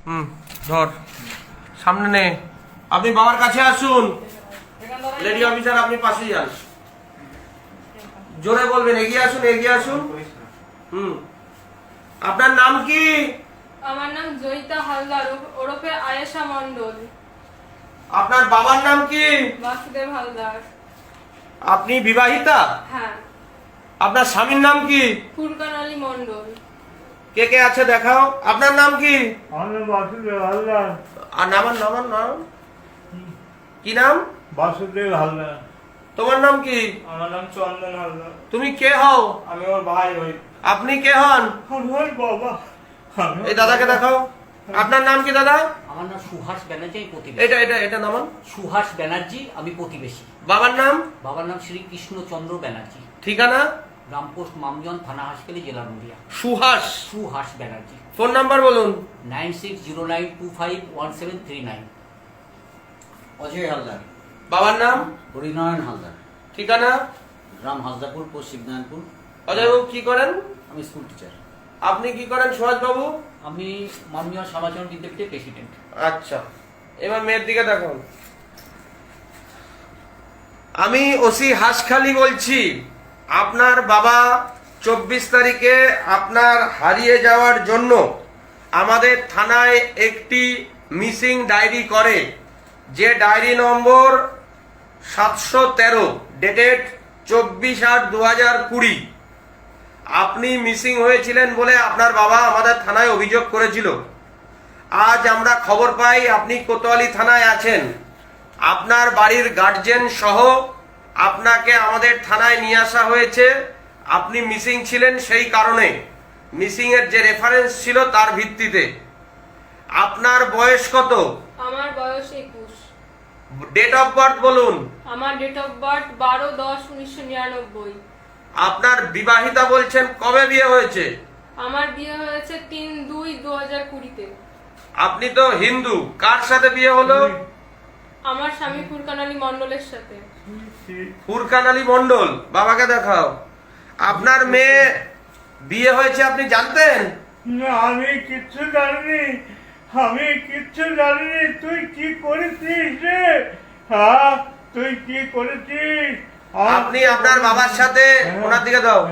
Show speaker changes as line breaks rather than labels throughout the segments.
ধর সামনে নে। আপনি বাবার কাছে আসুন। লেডি অফিসার আপনি পাশে যান, জোরে বলবেন এগিয়ে আসুন, এগিয়ে আসুন। আপনার নাম কি?
আমার নাম জয়িতা হালদার ওরফে আয়েশা মন্ডল।
আপনার বাবার নাম কি?
বাসুদেব হালদার।
আপনি বিবাহিতা?
হ্যাঁ।
আপনার স্বামীর নাম কি?
ফুরকান আলী মন্ডল।
কে কে আছে দেখাও। আপনার নাম কি?
বাসুদেব হালদার।
আর নামান নামান নাম কি? নাম
বাসুদেব হালদার।
তোমার নাম কি?
আমার নাম চন্দন হালদার।
তুমি কে হও?
আমি ওর ভাই হই।
আপনি কে হন?
আমার বাবা।
এই দাদাকে দেখাও। আপনার নাম কি দাদা?
আমার নাম সুহাস ব্যানার্জি, আমি প্রতিবেশী।
এটা এটা এটা নামান।
সুহাস ব্যানার্জি, আমি প্রতিবেশী।
বাবার নাম?
বাবার নাম শ্রী কৃষ্ণচন্দ্র ব্যানার্জি।
ঠিকানা?
গ্রামপোস্ট মামজন, থানা হাসপাতাল, জেলা নদিয়া।
সুহাস।
সুহাস ব্যানার্জি।
ফোন নাম্বার বলুন।
9609251739।
অজয় হালদার।
বাবার নাম?
হরিনারায়ণ হালদার।
ঠিকানা?
গ্রাম হাসদাপুর, পশ্চিম নারায়ণপুর।
অজয়বাবু কি করেন?
আমি স্কুল টিচার।
আপনি কি করেন সুহাস বাবু?
আমি মামজন সমাজকরণ বিদ্যাপীঠের প্রেসিডেন্ট।
আচ্ছা, এবার মেয়ের দিকে দেখুন। আমি ওসি হাসখালি বলছি। আপনার বাবা 24 তারিখে আপনার হারিয়ে যাওয়ার জন্য আমাদের থানায় একটি মিসিং ডায়েরি করে, যে ডায়েরি নম্বর 713, ডেটেড 24/8/2020। আপনি মিসিং হয়েছিলেন বলে আপনার বাবা আমাদের থানায় অভিযোগ করেছিল। আজ আমরা খবর পাই আপনি কোতোয়ালি থানায় আছেন। আপনার বাড়ির গার্জেন সহ আপনাকে আমাদের থানায় নিয়ে আসা হয়েছে। আপনি মিসিং ছিলেন সেই কারণে, মিসিং এর যে রেফারেন্স ছিল তার ভিত্তিতে। আপনার বয়স কত?
আমার বয়স 21।
ডেট অফ বার্থ বলুন।
আমার ডেট অফ বার্থ 12/10/1999।
আপনার বিবাহিতা বলছেন, কবে বিয়ে হয়েছে?
আমার বিয়ে হয়েছে 3/2/2020-তে।
আপনি তো হিন্দু, কার সাথে বিয়ে হলো?
আমার স্বামী ফুরকান আলী মন্ডলের সাথে।
ফুরকান আলী মন্ডল। বাবাকে দেখাও। আপনার মেয়ে বিয়ে হয়েছে আপনি জানতেন?
না, আমি কিচ্ছু জানিনি। আমি কিচ্ছু জানিনি। তুই কি করেছিস রে? হ্যাঁ, তুই কি করেছিস?
আপনি আপনার বাবার সাথে, ওনার দিকে দাও।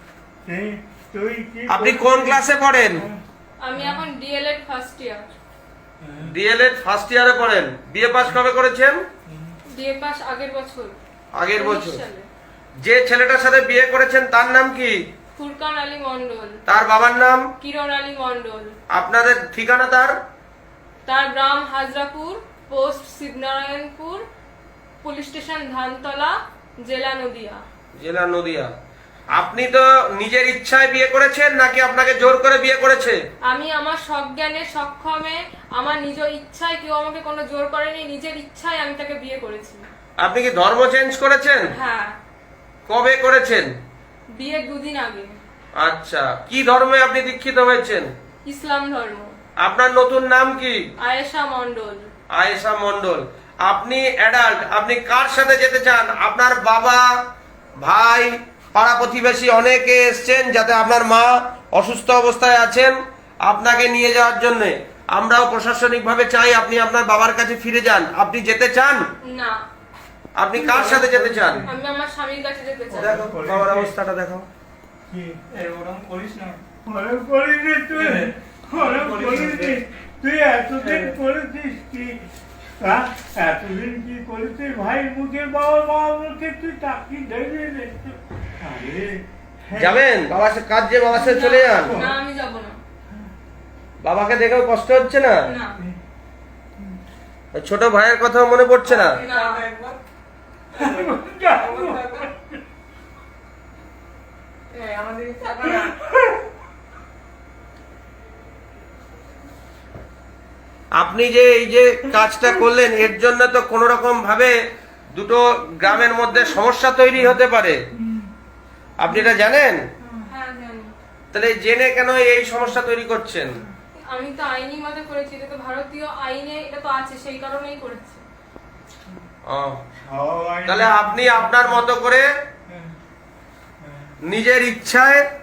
তুই কি
আপনি কোন ক্লাসে পড়েন?
আমি এখন D El Ed first year.
D El Ed first ইয়ারে পড়েন। বিয়ে পাস কবে করেছেন?
বিএ পাস আগের বছর।
আগের বছর।
19 সালে।
যে ছেলেটার সাথে বিয়ে করেছেন তার নাম কি?
ফুরকান আলী মন্ডল।
তার বাবার নাম?
কিরণ আলী মন্ডল।
আপনাদের ঠিকানা তার?
তার গ্রাম Hajrapur, post Shibnarayanpur, police station Dhantala, জেলা নদিয়া।
জেলা নদিয়া। আপনি তো নিজের ইচ্ছায় বিয়ে করেছেন নাকি আপনাকে জোর করে বিয়ে করেছে?
আমি আমার সজ্ঞানে সক্ষমে, আমার নিজ ইচ্ছায়, কেউ আমাকে কোনো জোর করেনি, নিজের ইচ্ছায় আমি তাকে বিয়ে করেছি।
আপনি কি ধর্ম চেঞ্জ করেছেন?
হ্যাঁ,
কবে করেছেন?
বিয়ের 2 দিন আগে।
আচ্ছা, কি ধর্মে আপনি দীক্ষিত হয়েছেন?
ইসলাম ধর্ম।
আপনার নতুন নাম কি?
আয়েশা মন্ডল।
আয়েশা মন্ডল। আপনি অ্যাডাল্ট, আপনি কার সাথে যেতে চান? আপনার বাবা, ভাই, পাড়া প্রতিবেশী অনেকে এসছেন, যাতে আপনার মা অসুস্থ অবস্থায় আছেন, আপনাকে নিয়ে যাওয়ার জন্য। আমরাও প্রশাসনিকভাবে চাই আপনি আপনার বাবার কাছে ফিরে যান। আপনি যেতে চান?
না।
আপনি কার সাথে যেতে চান?
আমি আমার স্বামীর কাছে যেতে চাই।
দেখো বাবার অবস্থাটা দেখো।
ওরকম করিস না। ওরকম করিস নি তুই। ওরকম করিস নি। তুই এতদিন করেছিস কি? হ্যাঁ, এতদিন কি করেছিস? ভাই মুখে, বাবা মা মুখে তুই তাকি দেখবি না। আরে
যাবেন বাবার সাথে, কাজ যে বাবার সাথে চলে যান।
না, আমি যাব না।
বাবাকে দেখেও কষ্ট হচ্ছে না?
না।
ছোট ভাইয়ের কথা মনে পড়ছে না?
না।
আপনি যে এই যে কাজটা করলেন, এর জন্য তো কোন রকম ভাবে দুটো গ্রামের মধ্যে সমস্যা তৈরি হতে পারে। আপনি এটা জানেন?
হ্যাঁ, জানি।
তাহলে জেনে কেন এই সমস্যা তৈরি করছেন?
আমি তো আইনি মতে করেছি, এটা তো ভারতীয় আইনে এটা তো আছে, সেই কারণেই করেছি।
তাহলে আপনি আপনার মতো করে নিজের ইচ্ছায়